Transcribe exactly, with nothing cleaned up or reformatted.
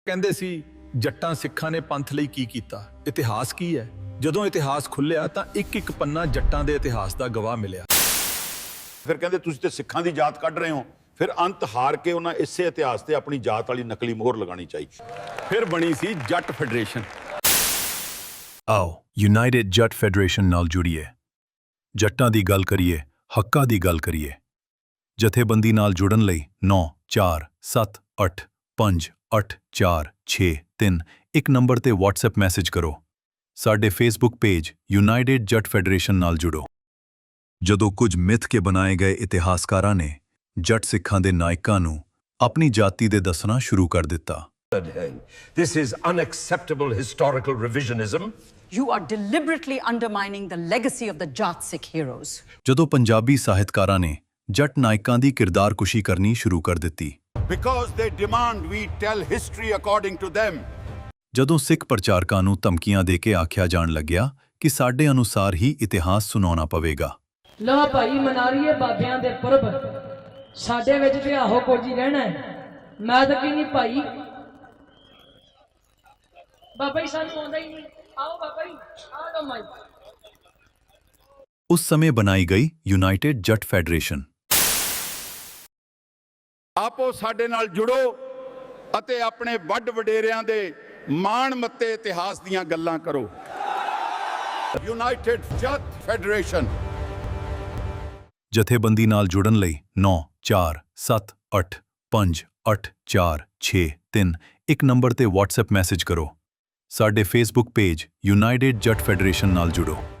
ਕਹਿੰਦੇ ਸੀ ਜੱਟਾਂ ਸਿੱਖਾਂ ਨੇ ਪੰਥ ਲਈ ਕੀ ਕੀਤਾ, ਇਤਿਹਾਸ ਕੀ ਹੈ। ਜਦੋਂ ਇਤਿਹਾਸ ਖੁੱਲਿਆ ਤਾਂ ਇੱਕ ਇੱਕ ਪੰਨਾ ਜੱਟਾਂ ਦੇ ਇਤਿਹਾਸ ਦਾ ਗਵਾਹ ਮਿਲਿਆ। ਫਿਰ ਕਹਿੰਦੇ ਤੁਸੀਂ ਤੇ ਸਿੱਖਾਂ ਦੀ ਜਾਤ ਕੱਢ ਰਹੇ ਹੋ। ਫਿਰ ਅੰਤ ਹਾਰ ਕੇ ਉਹਨਾਂ ਇਸੇ ਇਤਿਹਾਸ ਤੇ ਆਪਣੀ ਜਾਤ ਵਾਲੀ ਨਕਲੀ ਮੋਹਰ ਲਗਾਉਣੀ ਚਾਹੀਦੀ। ਫਿਰ ਬਣੀ ਸੀ ਜੱਟ ਫੈਡਰੇਸ਼ਨ। ਆਓ ਯੂਨਾਈਟਿਡ ਜੱਟ ਫੈਡਰੇਸ਼ਨ ਨਾਲ ਜੁੜੀਏ, ਜੱਟਾਂ ਦੀ ਗੱਲ ਕਰੀਏ, ਹੱਕਾਂ ਦੀ ਗੱਲ ਕਰੀਏ। ਜਥੇਬੰਦੀ ਨਾਲ ਜੁੜਨ ਲਈ ਨੌ ਚਾਰ ਸੱਤ ਅੱਠ ਪੰਜ ਅੱਠ ਚਾਰ ਛੇ ਤਿੰਨ ਇੱਕ ਨੰਬਰ ਤੇ WhatsApp ਮੈਸੇਜ ਕਰੋ। ਸਾਡੇ Facebook page United Jatt Federation ਨਾਲ ਜੁੜੋ। ਜਦੋਂ ਕੁਝ ਮਿੱਥ ਕੇ ਬਣਾਏ ਗਏ ਇਤਿਹਾਸਕਾਰਾਂ ਨੇ ਜੱਟ ਸਿੱਖਾਂ ਦੇ ਨਾਇਕਾਂ ਨੂੰ ਆਪਣੀ ਜਾਤੀ ਦੇ ਦੱਸਣਾ ਸ਼ੁਰੂ ਕਰ ਦਿੱਤਾ। This is unacceptable historical revisionism. You are deliberately undermining the legacy of the Jat Sikh heroes. ਜਦੋਂ ਪੰਜਾਬੀ ਸਾਹਿਤਕਾਰਾਂ ਨੇ ਜੱਟ ਨਾਇਕਾਂ ਦੀ ਕਿਰਦਾਰਕੁਸ਼ੀ ਕਰਨੀ ਸ਼ੁਰੂ ਕਰ ਦਿੱਤੀ। Because they demand we tell history according to them. ਜਦੋਂ ਸਿੱਖ ਪ੍ਰਚਾਰਕਾਂ ਨੂੰ ਧਮਕੀਆਂ ਦੇ ਕੇ ਆਖਿਆ ਜਾਣ ਲੱਗਿਆ ਕਿ ਸਾਡੇ ਅਨੁਸਾਰ ਹੀ ਇਤਿਹਾਸ ਸੁਣਾਉਣਾ ਪਵੇਗਾ। ਲੋ ਭਾਈ ਮਨਾ ਲਈਏ ਬਾਬਿਆਂ ਦੇ ਪੁਰਬ, ਸਾਡੇ ਵਿੱਚ ਤੇ ਆਹੋ ਕੁਝ ਹੀ ਰਹਿਣਾ ਹੈ। ਮੈਂ ਤਾਂ ਕਹਿੰਦੀ ਭਾਈ ਬਾਬਾ ਜੀ ਸਾਨੂੰ ਆਉਂਦਾ ਹੀ ਨਹੀਂ। ਆਓ ਬਾਬਾ ਜੀ ਆ ਲੋ ਮਾਈ। ਉਸ ਸਮੇਂ ਬਣਾਈ ਗਈ ਯੂਨਾਈਟਿਡ ਜੱਟ ਫੈਡਰੇਸ਼ਨ। ਆਪੋ ਸਾਡੇ ਨਾਲ ਜੁੜੋ ਅਤੇ ਆਪਣੇ ਵੱਡ ਵਡੇਰਿਆਂ ਦੇ ਮਾਣ ਮੱਤੇ ਇਤਿਹਾਸ ਦੀਆਂ ਗੱਲਾਂ ਕਰੋ। United Jatt federation. ਜਥੇਬੰਦੀ ਨਾਲ ਜੁੜਨ ਲਈ ਨੌ ਚਾਰ ਸੱਤ ਅੱਠ ਪੰਜ ਅੱਠ ਚਾਰ ਛੇ ਤਿੰਨ ਇੱਕ ਨੰਬਰ ਤੇ WhatsApp ਮੈਸੇਜ ਕਰੋ। ਸਾਡੇ Facebook page United Jatt Federation ਨਾਲ ਜੁੜੋ।